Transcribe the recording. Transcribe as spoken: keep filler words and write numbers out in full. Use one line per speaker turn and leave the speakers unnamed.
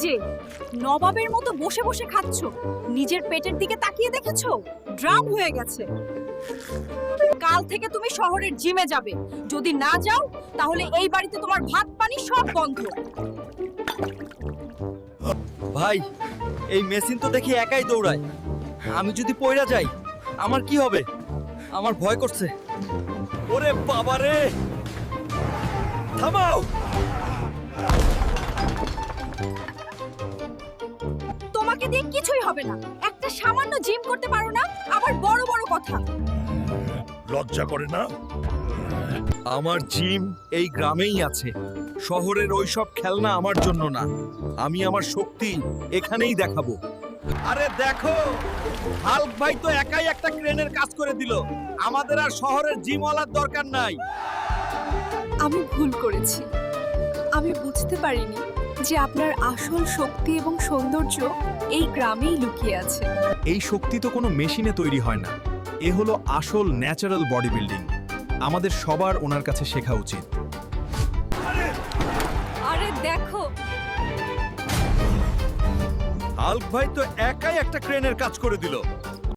যে নবাবের মতো বসে বসে খাচ্ছ, নিজের পেটের দিকে তাকিয়ে দেখেছো? ড্রাম হয়ে গেছে। কাল থেকে তুমি শহরের জিমে যাবে, যদি না যাও তাহলে এই বাড়িতে তোমার ভাত পানি সব বন্ধ।
ভাই, এই মেশিন তো দেখি একাই দৌড়ায়। আমি যদি পয়রা যাই আমার কি হবে? আমার ভয় করছে। ওরে বাবা রে, থামাও!
তোমাকে দিয়ে কিছুই হবে না, একটা সামান্য জিম করতে পারো না, আবার বড় বড় কথা।
লজ্জা করে না?
আমার জিম এই গ্রামেই আছে। শহরের ওইসব খেলনা আমার জন্য না। আমি আমার শক্তি এখানেই দেখাবো। আরে দেখো, হাল্ক ভাই তো একাই একটা ক্রেনের কাজ করে দিল। আমাদের আর শহরের জিমওয়ালার দরকার নাই।
আমি ভুল করেছি। আমি বুঝতে পারিনি যে আপনার আসল শক্তি এবং সৌন্দর্য এই গ্রামেই লুকিয়ে আছে।
এই শক্তি তো কোনো মেশিনে তৈরি হয় না। এ হলো আসল ন্যাচারাল বডি বিল্ডিং। আমাদের সবার ওনার কাছে শেখা উচিত।
আরে দেখো,
হাল্ক ভাই তো একাই একটা ক্রেনের কাজ করে দিল।